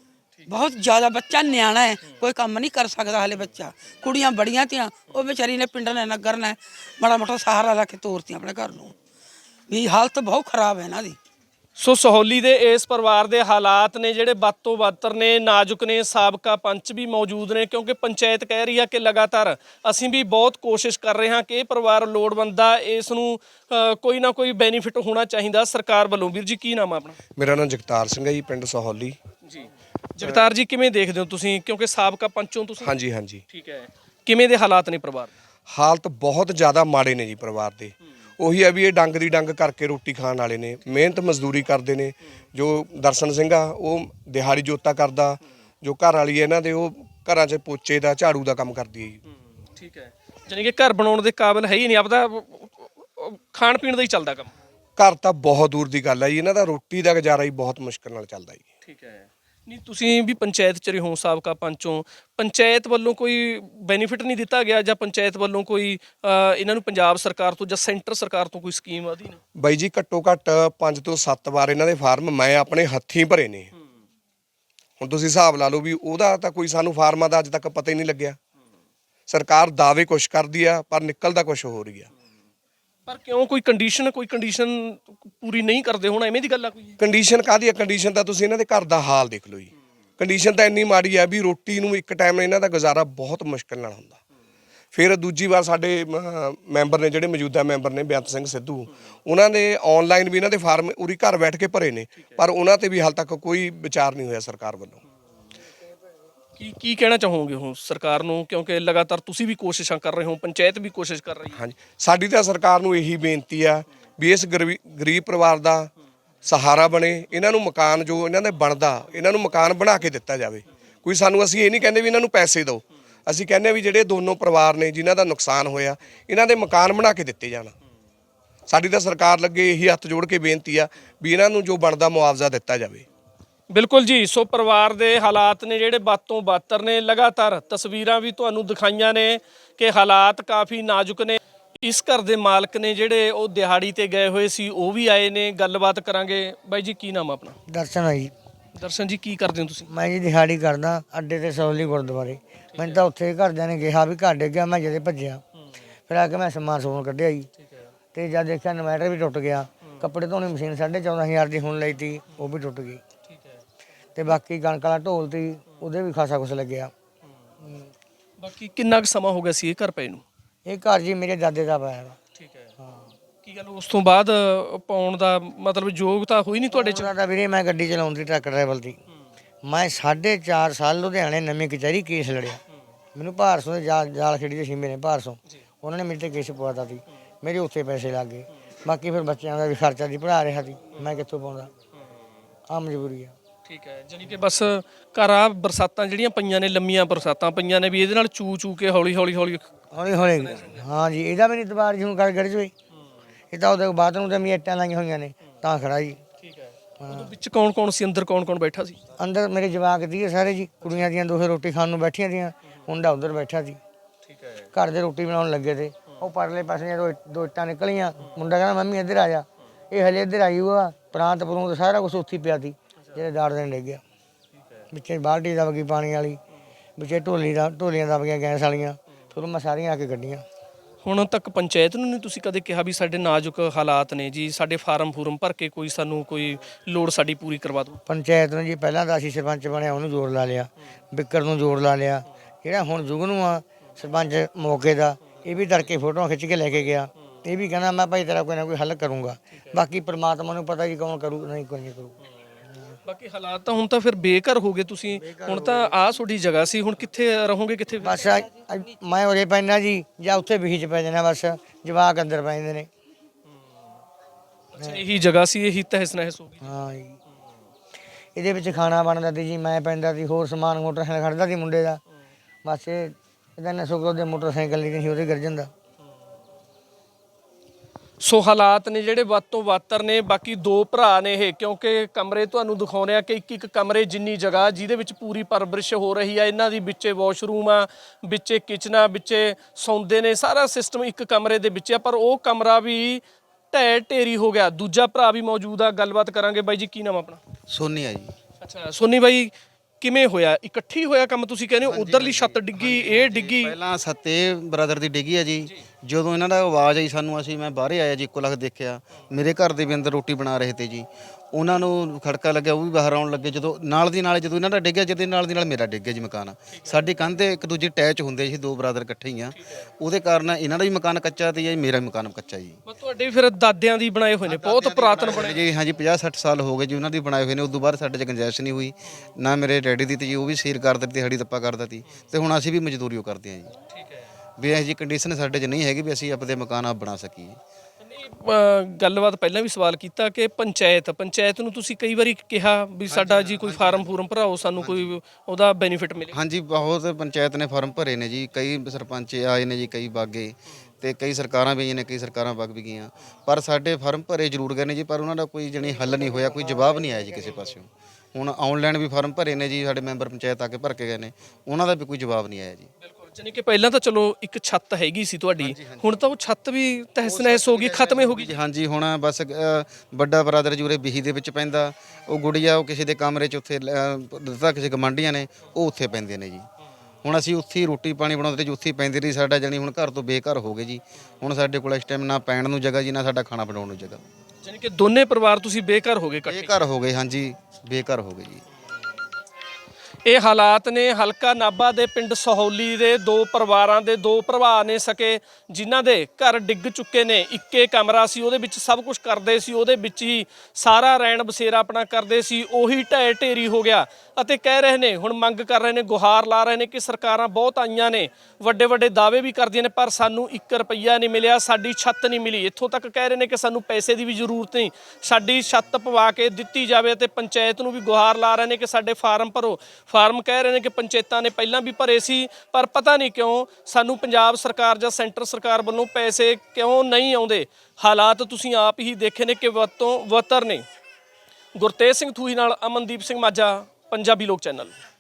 [SPEAKER 7] ਬਹੁਤ ਜ਼ਿਆਦਾ। ਬੱਚਾ ਨਿਆਣਾ ਹੈ, ਕੋਈ ਕੰਮ ਨਹੀਂ ਕਰ ਸਕਦਾ ਹਲੇ ਬੱਚਾ। ਕੁੜੀਆਂ ਬੜੀਆਂ ਤੀਆਂ, ਉਹ ਵਿਚਾਰੀ ਨੇ ਪਿੰਡ ਨੇ ਨਗਰ ਨੇ ਮਾੜਾ ਮੋਟਾ ਸਹਾਰਾ ਲਾ ਕੇ ਤੋਰਤੀਆਂ ਆਪਣੇ ਘਰ ਨੂੰ। ਵੀ ਹਾਲਤ ਬਹੁਤ ਖਰਾਬ ਹੈ ਇਹਨਾਂ ਦੀ।
[SPEAKER 2] ਸੋ ਸਹੌਲੀ ਦੇ ਇਸ ਪਰਿਵਾਰ ਦੇ ਹਾਲਾਤ ਨੇ ਜਿਹੜੇ ਵੱਧ ਤੋਂ ਬੱਤਰ ਨੇ, ਨਾਜ਼ੁਕ ਨੇ। ਸਾਬਕਾ ਪੰਚ ਵੀ ਮੌਜੂਦ ਨੇ, ਕਿਉਂਕਿ ਪੰਚਾਇਤ ਕਹਿ ਰਹੀ ਹੈ ਕਿ ਲਗਾਤਾਰ ਅਸੀਂ ਵੀ ਬਹੁਤ ਕੋਸ਼ਿਸ਼ ਕਰ ਰਹੇ ਹਾਂ ਕਿ ਇਹ ਪਰਿਵਾਰ ਲੋੜਵੰਦ ਆ, ਇਸ ਨੂੰ ਅ, ਕੋਈ ਨਾ ਕੋਈ ਬੈਨੀਫਿਟ ਹੋਣਾ ਚਾਹੀਦਾ ਸਰਕਾਰ ਵੱਲੋਂ। ਵੀਰ ਜੀ ਕੀ ਨਾਮ ਆ ਆਪਣਾ?
[SPEAKER 5] ਮੇਰਾ ਨਾਮ ਜਗਤਾਰ ਸਿੰਘ ਹੈ ਜੀ, ਪਿੰਡ ਸਹੌਲੀ।
[SPEAKER 2] ਜੀ ਜਗਤਾਰ ਜੀ, ਕਿਵੇਂ ਦੇਖਦੇ ਹੋ ਤੁਸੀਂ, ਕਿਉਂਕਿ ਸਾਬਕਾ ਪੰਚੋਂ ਤੁਸੀਂ?
[SPEAKER 5] ਹਾਂਜੀ ਹਾਂਜੀ।
[SPEAKER 2] ਠੀਕ ਹੈ, ਕਿਵੇਂ ਦੇ ਹਾਲਾਤ ਨੇ ਪਰਿਵਾਰ?
[SPEAKER 5] ਹਾਲਤ ਬਹੁਤ ਜ਼ਿਆਦਾ ਮਾੜੇ ਨੇ ਜੀ ਪਰਿਵਾਰ ਦੇ। ਉਹੀ ਹੈ ਵੀ ਇਹ ਡੰਗ ਦੀ ਡੰਗ ਕਰਕੇ ਰੋਟੀ ਖਾਣ ਵਾਲੇ ਨੇ, ਮਿਹਨਤ ਮਜ਼ਦੂਰੀ ਕਰਦੇ ਨੇ। ਜੋ ਦਰਸ਼ਨ ਸਿੰਘ ਆ ਉਹ ਦਿਹਾੜੀ ਜੋਤਾ ਕਰਦਾ, ਜੋ ਘਰ ਵਾਲੀ ਹੈ ਇਹਨਾਂ ਦੇ ਉਹ ਘਰਾਂ 'ਚ ਪੋਚੇ ਦਾ ਝਾੜੂ ਦਾ ਕੰਮ ਕਰਦੀ ਹੈ ਜੀ।
[SPEAKER 2] ਠੀਕ ਹੈ, ਜਾਨੀ ਕਿ ਘਰ ਬਣਾਉਣ ਦੇ ਕਾਬਿਲ ਹੈ ਹੀ ਨਹੀਂ, ਆਪਦਾ ਅਹ, ਖਾਣ ਪੀਣ ਦਾ ਹੀ ਚੱਲਦਾ ਕੰਮ?
[SPEAKER 5] ਘਰ ਤਾਂ ਬਹੁਤ ਦੂਰ ਦੀ ਗੱਲ ਹੈ ਜੀ, ਇਹਨਾਂ ਦਾ ਰੋਟੀ ਦਾ ਗੁਜ਼ਾਰਾ ਹੀ ਬਹੁਤ ਮੁਸ਼ਕਲ ਨਾਲ ਚੱਲਦਾ ਜੀ।
[SPEAKER 2] ਠੀਕ ਹੈ। ਨਹੀਂ ਤੁਸੀਂ ਵੀ ਪੰਚਾਇਤ ਚ ਰਹੇ ਹੋ, ਸਾਬਕਾ ਪੰਚੋਂ, ਪੰਚਾਇਤ ਵੱਲੋਂ ਕੋਈ ਬੈਨੀਫਿਟ ਨਹੀਂ ਦਿੱਤਾ ਗਿਆ ਜਾਂ ਪੰਚਾਇਤ ਵੱਲੋਂ ਕੋਈ ਅਹ, ਇਹਨਾਂ ਨੂੰ ਪੰਜਾਬ ਸਰਕਾਰ ਤੋਂ ਜਾਂ ਸੈਂਟਰ ਸਰਕਾਰ ਤੋਂ ਕੋਈ ਸਕੀਮ ਅਧੀਨ?
[SPEAKER 5] ਬਾਈ ਜੀ ਘੱਟੋ ਘੱਟ ਪੰਜ ਤੋਂ ਸੱਤ ਵਾਰ ਇਹਨਾਂ ਦੇ ਫਾਰਮ ਮੈਂ ਆਪਣੇ ਹੱਥੀਂ ਭਰੇ ਨੇ। ਹੁਣ ਤੁਸੀਂ ਹਿਸਾਬ ਲਾ ਲਓ ਵੀ ਉਹਦਾ ਤਾਂ ਕੋਈ ਸਾਨੂੰ ਫਾਰਮਾਂ ਦਾ ਅੱਜ ਤੱਕ ਪਤਾ ਹੀ ਨਹੀਂ ਲੱਗਿਆ। ਸਰਕਾਰ ਦਾਅਵੇ ਕੁਛ ਕਰਦੀ ਆ ਪਰ ਨਿਕਲਦਾ ਕੁਛ ਹੋ ਰਹੀ ਆ।
[SPEAKER 2] ਪਰ ਕਿਉਂ, ਕੋਈ ਕੰਡੀਸ਼ਨ ਕੋਈ ਕੰਡੀਸ਼ਨ ਪੂਰੀ ਨਹੀਂ ਕਰਦੇ ਹੁਣ, ਐਵੇਂ ਦੀ ਗੱਲ ਆ ਕੋਈ?
[SPEAKER 5] ਕੰਡੀਸ਼ਨ ਕਾਹਦੀ ਆ? ਕੰਡੀਸ਼ਨ ਤਾਂ ਤੁਸੀਂ ਇਹਨਾਂ ਦੇ ਘਰ ਦਾ ਹਾਲ ਦੇਖ ਲਓ ਜੀ। ਕੰਡੀਸ਼ਨ ਤਾਂ ਇੰਨੀ ਮਾੜੀ ਆ ਵੀ ਰੋਟੀ ਨੂੰ ਇੱਕ ਟਾਈਮ ਇਹਨਾਂ ਦਾ ਗੁਜ਼ਾਰਾ ਬਹੁਤ ਮੁਸ਼ਕਲ ਨਾਲ ਹੁੰਦਾ। ਫਿਰ ਦੂਜੀ ਵਾਰ ਸਾਡੇ ਅਹ, ਮੈਂਬਰ ਨੇ ਜਿਹੜੇ ਮੌਜੂਦਾ ਮੈਂਬਰ ਨੇ ਬੇਅੰਤ ਸਿੰਘ ਸਿੱਧੂ, ਉਹਨਾਂ ਨੇ ਆਨਲਾਈਨ ਵੀ ਇਹਨਾਂ ਦੇ ਫਾਰਮ ਉਰੀ ਘਰ ਬੈਠ ਕੇ ਭਰੇ ਨੇ, ਪਰ ਉਹਨਾਂ ਤੇ ਵੀ ਹਾਲ ਤੱਕ ਕੋਈ ਵਿਚਾਰ ਨਹੀਂ ਹੋਇਆ ਸਰਕਾਰ ਵੱਲੋਂ।
[SPEAKER 2] ਕੀ ਕੀ ਕਹਿਣਾ ਚਾਹੋਗੇ ਹੁਣ ਸਰਕਾਰ ਨੂੰ, ਕਿਉਂਕਿ ਲਗਾਤਾਰ ਤੁਸੀਂ ਵੀ ਕੋਸ਼ਿਸ਼ਾਂ ਕਰ ਰਹੇ ਹੋ, ਪੰਚਾਇਤ ਵੀ ਕੋਸ਼ਿਸ਼ ਕਰ ਰਹੀ ਹੈ?
[SPEAKER 5] ਹਾਂਜੀ, ਸਾਡੀ ਤਾਂ ਸਰਕਾਰ ਨੂੰ ਇਹੀ ਬੇਨਤੀ ਆ ਵੀ ਇਸ ਗਰੀਬੀ- ਗਰੀਬ ਪਰਿਵਾਰ ਦਾ ਸਹਾਰਾ ਬਣੇ। ਇਹਨਾਂ ਨੂੰ ਮਕਾਨ ਜੋ ਇਹਨਾਂ ਦੇ ਬਣਦਾ, ਇਹਨਾਂ ਨੂੰ ਮਕਾਨ ਬਣਾ ਕੇ ਦਿੱਤਾ ਜਾਵੇ। ਕੋਈ ਸਾਨੂੰ, ਅਸੀਂ ਇਹ ਨਹੀਂ ਕਹਿੰਦੇ ਵੀ ਇਹਨਾਂ ਨੂੰ ਪੈਸੇ ਦਿਓ, ਅਸੀਂ ਕਹਿੰਦੇ ਵੀ ਜਿਹੜੇ ਦੋਨੋਂ ਪਰਿਵਾਰ ਨੇ ਜਿਨ੍ਹਾਂ ਦਾ ਨੁਕਸਾਨ ਹੋਇਆ, ਇਹਨਾਂ ਦੇ ਮਕਾਨ ਬਣਾ ਕੇ ਦਿੱਤੇ ਜਾਣ। ਸਾਡੀ ਤਾਂ ਸਰਕਾਰ ਲੱਗੇ ਇਹੀ ਹੱਥ ਜੋੜ ਕੇ ਬੇਨਤੀ ਆ ਵੀ ਇਹਨਾਂ ਨੂੰ ਜੋ ਬਣਦਾ ਮੁਆਵਜ਼ਾ ਦਿੱਤਾ ਜਾਵੇ।
[SPEAKER 2] ਬਿਲਕੁਲ ਜੀ। ਸੋ ਪਰਿਵਾਰ ਦੇ ਹਾਲਾਤ ਨੇ ਜਿਹੜੇ ਵੱਧ ਤੋਂ ਬੱਤਰ ਨੇ। ਲਗਾਤਾਰ ਤਸਵੀਰਾਂ ਵੀ ਤੁਹਾਨੂੰ ਦਿਖਾਈਆਂ ਨੇ ਕਿ ਹਾਲਾਤ ਕਾਫੀ ਨਾਜ਼ੁਕ ਨੇ। ਇਸ ਘਰ ਦੇ ਮਾਲਕ ਨੇ ਜਿਹੜੇ ਉਹ ਦਿਹਾੜੀ ਤੇ ਗਏ ਹੋਏ ਸੀ, ਉਹ ਵੀ ਆਏ ਨੇ, ਗੱਲਬਾਤ ਕਰਾਂਗੇ। ਬਾਈ ਜੀ ਕੀ ਨਾਮ ਆ ਆਪਣਾ?
[SPEAKER 4] ਦਰਸ਼ਨ ਆ ਜੀ।
[SPEAKER 2] ਦਰਸ਼ਨ ਜੀ ਕੀ ਕਰਦੇ ਹੋ ਤੁਸੀਂ?
[SPEAKER 4] ਮੈਂ ਜੀ ਦਿਹਾੜੀ ਕਰਦਾ ਅੱਡੇ ਤੇ ਸੌਲੀ ਗੁਰਦੁਆਰੇ। ਮੈਨੂੰ ਤਾਂ ਉੱਥੇ ਘਰਦਿਆਂ ਨੇ ਕਿਹਾ ਵੀ ਘਰ ਡਿੱਗ ਗਿਆ, ਮੈਂ ਜਦੇ ਭੱਜਿਆ। ਫਿਰ ਆ ਕੇ ਮੈਂ ਸਮਾਨ ਸਮੂਨ ਕੱਢਿਆ ਜੀ, ਤੇ ਜਦ ਦੇਖਿਆ ਇਨਵਰਟਰ ਵੀ ਟੁੱਟ ਗਿਆ। ਕੱਪੜੇ ਧੋਣੀ ਮਸ਼ੀਨ ਸਾਢੇ ਚੌਦਾਂ ਹਜ਼ਾਰ ਦੀ ਹੁਣ ਲਈ ਤੀ, ਉਹ ਵੀ ਟੁੱਟ ਗਈ। ਤੇ ਬਾਕੀ ਕਣਕ ਵਾਲਾ ਢੋਲ ਤੀ, ਉਹਦੇ ਵੀ ਖਾਸਾ ਕੁਛ ਲੱਗਿਆ।
[SPEAKER 2] ਬਾਕੀ ਕਿੰਨਾ ਕੁ ਸਮਾਂ ਹੋ ਗਿਆ ਸੀ ਇਹ ਘਰ ਪਏ ਨੂੰ?
[SPEAKER 4] ਇਹ ਘਰ ਜੀ ਮੇਰੇ ਦਾਦੇ ਦਾ ਪਾਇਆ ਵਾ।
[SPEAKER 2] ਠੀਕ ਹੈ। ਹਾਂ, ਕੀ ਗੱਲ ਉਸ ਤੋਂ ਬਾਅਦ ਪਾਉਣ ਦਾ ਮਤਲਬ ਯੋਗਤਾ ਹੋਈ ਨਹੀਂ ਤੁਹਾਡੇ ਚ?
[SPEAKER 4] ਉਹਨਾਂ ਦਾ ਵੀਰੇ ਮੈਂ ਗੱਡੀ ਚਲਾਉਂਦੀ, ਟਰੱਕ ਡਰਾਈਵਰ ਦੀ। ਮੈਂ ਸਾਢੇ ਚਾਰ ਸਾਲ ਲੁਧਿਆਣੇ ਨਵੀਂ ਕਚਹਿਰੀ ਕੇਸ ਲੜਿਆ। ਮੈਨੂੰ ਭਾਰਸੋਂ ਦੇ ਜਾਲ ਜਾਲ ਖੇੜੀ ਦੇ ਛੀਮੇ ਨੇ ਭਾਰਸੋਂ, ਉਹਨਾਂ ਨੇ ਮੇਰੇ ਤੇ ਕੇਸ ਪਵਾਤਾ ਸੀ। ਮੇਰੇ ਉੱਥੇ ਪੈਸੇ ਲੱਗ ਗਏ। ਬਾਕੀ ਫਿਰ ਬੱਚਿਆਂ ਦਾ ਵੀ ਖਰਚਾ ਦੀ ਪੜ੍ਹਾ ਰਿਹਾ ਸੀ, ਮੈਂ ਕਿੱਥੋਂ ਪਾਉਂਦਾ? ਆ ਮਜਬੂਰੀ ਆ।
[SPEAKER 2] ਠੀਕ ਹੈ। ਜਾਨੀ ਕਿ ਬਸ ਘਰ ਆ ਬਰਸਾਤਾਂ ਜਿਹੜੀਆਂ ਪਈਆਂ ਨੇ, ਲੰਮੀਆਂ ਬਰਸਾਤਾਂ ਪਈਆਂ ਨੇ, ਵੀ ਇਹਦੇ ਨਾਲ ਚੂ ਚੂ ਕੇ ਹੌਲੀ ਹੌਲੀ ਹੌਲੀ
[SPEAKER 4] ਹੌਲੀ ਹੌਲੀ ਹਾਂ ਜੀ। ਇਹਦਾ ਵੀ ਨਹੀਂ ਦਬਾਰ ਜੀ ਹੁਣ ਕਰ ਗੜ ਜਵੇ। ਇਹ ਤਾਂ ਉਹਦੇ ਬਾਥਰੂਮ ਤੇ ਵੀ ਇੱਟਾਂ ਲਾਈਆਂ ਹੋਈਆਂ ਨੇ ਤਾਂ ਖੜਾ ਜੀ।
[SPEAKER 2] ਠੀਕ ਹੈ। ਉਦੋਂ ਵਿੱਚ ਕੌਣ ਕੌਣ ਸੀ, ਅੰਦਰ ਕੌਣ ਕੌਣ ਬੈਠਾ ਸੀ?
[SPEAKER 4] ਅੰਦਰ ਮੇਰੇ ਜਵਾਕ ਦੀ ਸਾਰੇ ਜੀ, ਕੁੜੀਆਂ ਦੀਆਂ ਦੋਹੇ ਰੋਟੀ ਖਾਣ ਨੂੰ ਬੈਠੀਆਂ ਦੀਆਂ, ਮੁੰਡਾ ਉਧਰ ਬੈਠਾ ਸੀ।
[SPEAKER 2] ਠੀਕ ਹੈ।
[SPEAKER 4] ਘਰ ਦੇ ਰੋਟੀ ਬਣਾਉਣ ਲੱਗੇ ਤੇ ਉਹ ਪਰਲੇ ਪਾਸੇ ਜਦੋਂ ਦੋ ਇੱਟਾਂ ਨਿਕਲੀਆਂ, ਮੁੰਡਾ ਕਹਿੰਦਾ ਮੰਮੀ ਇੱਧਰ ਆ ਜਾ। ਇਹ ਹਲੇ ਇੱਧਰ ਆਈ ਹੋਆ, ਪ੍ਰਾਂਤ ਪਰੂੰਤ ਸਾਰਾ ਕੁਛ ਉੱਥੇ ਪਿਆ ਸੀ ਜਿਹੜੇ ਦਾੜ ਦੇਣ ਡਿੱਗ ਗਿਆ। ਵਿੱਚੇ ਬਾਲਟੀ ਦਬ ਗਈ ਪਾਣੀ ਵਾਲੀ, ਵਿੱਚੇ ਢੋਲੀ ਦਾ ਢੋਲੀਆਂ ਦਬ ਗਈਆਂ ਗੈਸ ਵਾਲੀਆਂ। ਫਿਰ ਮੈਂ ਸਾਰੀਆਂ ਆ ਕੇ ਕੱਢੀਆਂ।
[SPEAKER 2] ਹੁਣ ਤੱਕ ਪੰਚਾਇਤ ਨੂੰ ਨਹੀਂ ਤੁਸੀਂ ਕਦੇ ਕਿਹਾ ਵੀ ਸਾਡੇ ਨਾਜ਼ੁਕ ਹਾਲਾਤ ਨੇ ਜੀ, ਸਾਡੇ ਫਾਰਮ ਫੂਰਮ ਭਰ ਕੇ ਕੋਈ ਸਾਨੂੰ ਕੋਈ ਲੋੜ ਸਾਡੀ ਪੂਰੀ ਕਰਵਾ ਦਿਓ?
[SPEAKER 4] ਪੰਚਾਇਤ ਨੂੰ ਜੀ ਪਹਿਲਾਂ ਤਾਂ ਅਸੀਂ ਸਰਪੰਚ ਬਣਿਆ, ਉਹਨੂੰ ਜੋੜ ਲਾ ਲਿਆ, ਬਿੱਕਰ ਨੂੰ ਜੋੜ ਲਾ ਲਿਆ। ਜਿਹੜਾ ਹੁਣ ਜੁਗਨੂ ਆ ਸਰਪੰਚ ਮੌਕੇ ਦਾ, ਇਹ ਵੀ ਤੜਕੇ ਫੋਟੋਆਂ ਖਿੱਚ ਕੇ ਲੈ ਕੇ ਗਿਆ। ਇਹ ਵੀ ਕਹਿੰਦਾ ਮੈਂ ਭਾਈ ਤੇਰਾ ਕੋਈ ਨਾ ਕੋਈ ਹੱਲ ਕਰੂੰਗਾ। ਬਾਕੀ ਪਰਮਾਤਮਾ ਨੂੰ ਪਤਾ ਜੀ ਕੌਣ ਕਰੂ ਨਹੀਂ, ਕੋਈ ਨਹੀਂ ਕਰੂ।
[SPEAKER 2] ਬਾਕੀ ਹਾਲਾਤ ਤਾਂ ਹੁਣ ਤਾਂ ਫਿਰ ਬੇਘਰ ਹੋ ਗਏ ਤੁਸੀਂ। ਹੁਣ ਤਾਂ ਆਹ ਤੁਹਾਡੀ ਜਗ੍ਹਾ ਸੀ, ਹੁਣ ਕਿੱਥੇ ਰਹੋਗੇ? ਕਿੱਥੇ?
[SPEAKER 4] ਬਸ ਅੱਜ- ਅੱਜ ਮੈਂ ਉਰੇ ਪੈਣਾ ਜੀ ਜਾਂ ਉੱਥੇ ਬੀਚ ਪੈ ਜਾਣਾ। ਬਸ ਜਵਾਕ ਅੰਦਰ ਪੈ ਜਾਂਦੇ ਨੇ।
[SPEAKER 2] ਅੱਛਾ, ਇਹੀ ਜਗ੍ਹਾ ਸੀ, ਇਹੀ ਤਹਿਸ ਨਹਿਸ ਹੋ ਗਈ।
[SPEAKER 4] ਹਾਂ ਜੀ, ਇਹਦੇ ਵਿੱਚ ਖਾਣਾ ਬਣਦਾ ਸੀ ਜੀ, ਮੈਂ ਪੈਂਦਾ ਸੀ, ਹੋਰ ਸਮਾਨ ਮੋਟਰਸਾਈਕਲ ਖੜਦਾ ਸੀ ਮੁੰਡੇ ਦਾ। ਬਸ ਇਹ ਇਹਦਾ ਨਸੋਕਲ ਦੇ ਮੋਟਰਸਾਈਕਲ ਨਹੀਂ ਸੀ ਉਹਦੇ ਗਿਰ ਜਾਂਦਾ।
[SPEAKER 2] ਸੋ ਹਾਲਾਤ ਨੇ ਜਿਹੜੇ ਵੱਧ ਤੋਂ ਵੱਤਰ ਨੇ। ਬਾਕੀ ਦੋ ਭਰਾ ਨੇ ਇਹ, ਕਿਉਂਕਿ ਕਮਰੇ ਤੁਹਾਨੂੰ ਦਿਖਾਉਂਦੇ ਆ ਕਿ ਇੱਕ ਇੱਕ ਕਮਰੇ ਜਿੰਨੀ ਜਗ੍ਹਾ ਜਿਹਦੇ ਵਿੱਚ ਪੂਰੀ ਪਰਵਰਿਸ਼ ਹੋ ਰਹੀ ਆ ਇਹਨਾਂ ਦੀ। ਵਿੱਚੇ ਵਾਸ਼ਰੂਮ ਆ, ਵਿੱਚੇ ਕਿਚਨ ਆ, ਵਿੱਚੇ ਸੌਂਦੇ ਨੇ, ਸਾਰਾ ਸਿਸਟਮ ਇੱਕ ਕਮਰੇ ਦੇ ਵਿੱਚ ਆ। ਪਰ ਉਹ ਕਮਰਾ ਵੀ ਢਹਿ ਢੇਰੀ ਹੋ ਗਿਆ। ਦੂਜਾ ਭਰਾ ਵੀ ਮੌਜੂਦ ਆ, ਗੱਲਬਾਤ ਕਰਾਂਗੇ। ਬਾਈ ਜੀ ਕੀ ਨਾਮ ਆਪਣਾ?
[SPEAKER 8] ਸੋਨੀ ਆ ਜੀ।
[SPEAKER 2] ਅੱਛਾ ਸੋਨੀ ਬਾਈ, ਕਿਵੇਂ ਹੋਇਆ? ਇਕੱਠੀ ਹੋਇਆ ਕੰਮ? ਤੁਸੀਂ ਕਹਿੰਦੇ ਹੋ ਉਧਰਲੀ ਛੱਤ ਡਿੱਗੀ, ਇਹ ਡਿੱਗੀ।
[SPEAKER 8] ਪਹਿਲਾਂ ਸੱਤੇ ਬ੍ਰਦਰ ਦੀ ਡਿੱਗੀ ਆ ਜੀ। ਜਦੋਂ ਇਹਨਾਂ ਦਾ ਆਵਾਜ਼ ਆਈ ਸਾਨੂੰ, ਅਸੀਂ ਮੈਂ ਬਾਹਰੇ ਆਇਆ ਜੀ, ਇੱਕੋ ਲੱਖ ਦੇਖਿਆ। ਮੇਰੇ ਘਰ ਦੇ ਵੀ ਅੰਦਰ ਰੋਟੀ ਬਣਾ ਰਹੇ ਤੇ ਜੀ, ਉਹਨਾਂ ਨੂੰ ਖੜਕਾ ਲੱਗਿਆ, ਉਹ ਵੀ ਬਾਹਰ ਆਉਣ ਲੱਗੇ। ਜਦੋਂ ਨਾਲ ਦੀ ਨਾਲ ਜਦੋਂ ਇਹਨਾਂ ਦਾ ਡਿੱਗਿਆ, ਜਦੋਂ ਨਾਲ ਦੀ ਨਾਲ ਮੇਰਾ ਡਿੱਗਿਆ ਜੀ ਮਕਾਨ। ਸਾਡੀ ਕੰਧ ਤੇ ਇੱਕ ਦੂਜੇ ਅਟੈਚ ਹੁੰਦੇ ਸੀ, ਦੋ ਬ੍ਰਦਰ ਇਕੱਠੇ ਹੀ ਆ। ਉਹਦੇ ਕਾਰਨ ਇਹਨਾਂ ਦਾ ਵੀ ਮਕਾਨ ਕੱਚਾ ਤੇ ਜੀ ਮੇਰਾ ਵੀ ਮਕਾਨ ਕੱਚਾ ਜੀ।
[SPEAKER 2] ਤੁਹਾਡੇ ਵੀ ਫਿਰ ਦਾਦਿਆਂ ਦੀ ਬਣਾਏ ਹੋਏ ਨੇ, ਬਹੁਤ ਪੁਰਾਤਨ ਬਣੇ
[SPEAKER 8] ਜੀ। ਹਾਂਜੀ ਪੰਜਾਹ ਸੱਠ ਸਾਲ ਹੋ ਗਏ ਜੀ ਉਹਨਾਂ ਦੀ ਬਣਾਏ ਹੋਏ ਨੇ। ਉਦੋਂ ਬਾਅਦ ਸਾਡੇ 'ਚ ਗੁੰਜਾਇਸ਼ ਨਹੀਂ ਹੋਈ ਨਾ ਮੇਰੇ ਡੈਡੀ ਦੀ, ਤੇ ਜੀ ਉਹ ਵੀ ਸੀਰ ਕਰ ਦਿੱਤੀ, ਦਿਹਾੜੀ ਤੱਪਾ ਕਰਦਾ ਸੀ। ਤੇ ਹੁਣ ਅਸੀਂ ਵੀ ਮਜ਼ਦੂਰੀ ਉਹ ਕਰਦੇ ਹਾਂ ਜੀ।
[SPEAKER 2] ਠੀਕ ਹੈ।
[SPEAKER 8] ਵੀ ਇਹ ਜੀ ਕੰਡੀਸ਼ਨ ਸਾਡੇ 'ਚ ਨਹੀਂ ਹੈਗੀ ਵੀ ਅਸੀਂ ਆਪਣੇ ਮਕਾਨ ਆਪ ਬਣਾ ਸਕੀਏ।
[SPEAKER 2] ਅਹ ਗੱਲਬਾਤ ਪਹਿਲਾਂ ਵੀ ਸਵਾਲ ਕੀਤਾ ਕਿ ਪੰਚਾਇਤ ਪੰਚਾਇਤ ਨੂੰ ਤੁਸੀਂ ਕਈ ਵਾਰੀ ਕਿਹਾ ਵੀ ਸਾਡਾ ਜੀ ਕੋਈ ਫਾਰਮ ਫੂਰਮ ਭਰਾਓ, ਸਾਨੂੰ ਕੋਈ ਉਹਦਾ ਬੈਨੀਫਿਟ ਮਿਲੇ?
[SPEAKER 8] ਹਾਂਜੀ ਬਹੁਤ ਪੰਚਾਇਤ ਨੇ ਫਾਰਮ ਭਰੇ ਨੇ ਜੀ, ਕਈ ਸਰਪੰਚ ਆਏ ਨੇ ਜੀ, ਕਈ ਬਾਗੇ ਤੇ ਕਈ ਸਰਕਾਰਾਂ ਵੀ ਨੇ, ਕਈ ਸਰਕਾਰਾਂ ਵਗ ਵੀ ਗਈਆਂ, ਪਰ ਸਾਡੇ ਫਾਰਮ ਭਰੇ ਜ਼ਰੂਰ ਗਏ ਨੇ ਜੀ, ਪਰ ਉਹਨਾਂ ਦਾ ਕੋਈ ਜਣੀ ਹੱਲ ਨਹੀਂ ਹੋਇਆ, ਕੋਈ ਜਵਾਬ ਨਹੀਂ ਆਇਆ ਜੀ ਕਿਸੇ ਪਾਸਿਓਂ। ਹੁਣ ਆਨਲਾਈਨ ਵੀ ਫਾਰਮ ਭਰੇ ਨੇ ਜੀ, ਸਾਡੇ ਮੈਂਬਰ ਪੰਚਾਇਤ ਆ ਕੇ ਭਰ ਕੇ ਗਏ ਨੇ, ਉਹਨਾਂ ਦਾ ਵੀ ਕੋਈ ਜਵਾਬ ਨਹੀਂ ਆਇਆ ਜੀ।
[SPEAKER 2] ਬਿਲਕੁਲ, ਜਾਨੀ ਕਿ ਪਹਿਲਾਂ ਤਾਂ ਚਲੋ ਇੱਕ ਛੱਤ ਹੈਗੀ ਸੀ ਤੁਹਾਡੀ, ਹੁਣ ਤਾਂ ਉਹ ਛੱਤ ਵੀ ਤਹਿਸ ਨਹਿਸ ਹੋ ਗਈ, ਖਤਮ ਹੋ ਗਈ ਜੀ।
[SPEAKER 8] ਹਾਂਜੀ, ਹੁਣ ਬਸ ਅ, ਵੱਡਾ ਬਰਾਦਰ ਜੂਰੇ ਬਿਹੀ ਦੇ ਵਿੱਚ ਪੈਂਦਾ, ਉਹ ਗੁੜੀਆ ਉਹ ਕਿਸੇ ਦੇ ਕਮਰੇ 'ਚ ਉੱਥੇ ਅ, ਦਿੱਤਾ ਕਿਸੇ ਗਵਾਂਢੀਆਂ ਨੇ, ਉਹ ਉੱਥੇ ਪੈਂਦੇ ਨੇ ਜੀ। ਹੁਣ ਅਸੀਂ ਉੱਥੇ ਹੀ ਰੋਟੀ ਪਾਣੀ ਬਣਾਉਂਦੇ ਜੀ, ਉੱਥੇ ਹੀ ਪੈਂਦੇ ਰਹੀ, ਸਾਡਾ ਜਾਣੀ ਹੁਣ ਘਰ ਤੋਂ ਬੇਘਰ ਹੋ ਗਏ ਜੀ। ਹੁਣ ਸਾਡੇ ਕੋਲ ਇਸ ਟਾਈਮ ਨਾ ਪੈਣ ਨੂੰ ਜਗ੍ਹਾ ਜੀ, ਨਾ ਸਾਡਾ ਖਾਣਾ ਬਣਾਉਣ ਨੂੰ ਜਗ੍ਹਾ।
[SPEAKER 2] ਜਾਨੀ ਕਿ ਦੋਨੇ ਪਰਿਵਾਰ ਤੁਸੀਂ ਬੇਘਰ ਹੋ ਗਏ ਇਕੱਠੇ।
[SPEAKER 8] ਬੇਘਰ ਹੋ ਗਏ, ਹਾਂਜੀ ਬੇਘਰ ਹੋ ਗਏ ਜੀ।
[SPEAKER 2] ਇਹ ਹਾਲਾਤ ਨੇ ਹਲਕਾ ਨਾਭਾ ਦੇ ਪਿੰਡ ਸਹੌਲੀ ਦੇ ਦੋ ਪਰਿਵਾਰਾਂ ਦੇ, ਦੋ ਭਰਾ ਨੇ ਸਕੇ, ਜਿਨ੍ਹਾਂ ਦੇ ਘਰ ਡਿੱਗ ਚੁੱਕੇ ਨੇ। ਇੱਕੇ ਕਮਰਾ ਸੀ, ਉਹਦੇ ਵਿੱਚ ਸਭ ਕੁਝ ਕਰਦੇ ਸੀ, ਉਹਦੇ ਵਿੱਚ ਹੀ ਸਾਰਾ ਰੈਣ ਬਸੇਰਾ ਆਪਣਾ ਕਰਦੇ ਸੀ, ਉਹੀ ਢਹਿ ਢੇਰੀ ਹੋ ਗਿਆ। ਅਤੇ ਕਹਿ ਰਹੇ ਨੇ, ਹੁਣ ਮੰਗ ਕਰ ਰਹੇ ਨੇ, ਗੁਹਾਰ ਲਾ ਰਹੇ ਨੇ ਕਿ ਸਰਕਾਰਾਂ ਬਹੁਤ ਆਈਆਂ ਨੇ, ਵੱਡੇ ਵੱਡੇ ਦਾਅਵੇ ਵੀ ਕਰਦੀਆਂ ਨੇ, ਪਰ ਸਾਨੂੰ ਇੱਕ ਰੁਪਈਆ ਨਹੀਂ ਮਿਲਿਆ, ਸਾਡੀ ਛੱਤ ਨਹੀਂ ਮਿਲੀ। ਇੱਥੋਂ ਤੱਕ ਕਹਿ ਰਹੇ ਨੇ ਕਿ ਸਾਨੂੰ ਪੈਸੇ ਦੀ ਵੀ ਜ਼ਰੂਰਤ ਨਹੀਂ, ਸਾਡੀ ਛੱਤ ਪਵਾ ਕੇ ਦਿੱਤੀ ਜਾਵੇ। ਅਤੇ ਪੰਚਾਇਤ ਨੂੰ ਵੀ ਗੁਹਾਰ ਲਾ ਰਹੇ ਨੇ ਕਿ ਸਾਡੇ ਫਾਰਮ ਭਰੋ। ਫਾਰਮ ਕਹਿ ਰਹੇ ਨੇ ਕਿ ਪੰਚਾਇਤਾਂ ਨੇ ਪਹਿਲਾਂ ਵੀ ਭਰੇ ਸੀ, ਪਰ ਪਤਾ ਨਹੀਂ ਕਿਉਂ ਸਾਨੂੰ ਪੰਜਾਬ ਸਰਕਾਰ ਜਾਂ ਸੈਂਟਰ ਸਰਕਾਰ ਵੱਲੋਂ ਪੈਸੇ ਕਿਉਂ ਨਹੀਂ ਆਉਂਦੇ। ਹਾਲਾਤ ਤੁਸੀਂ ਆਪ ਹੀ ਦੇਖੇ ਨੇ ਕਿ ਵੱਤੋਂ ਵੱਤਰ ਨੇ। ਗੁਰਤੇਜ ਸਿੰਘ ਥੂਹੀ ਨਾਲ ਅਮਨਦੀਪ ਸਿੰਘ ਮਾਝਾ, ਪੰਜਾਬੀ ਲੋਕ ਚੈਨਲ।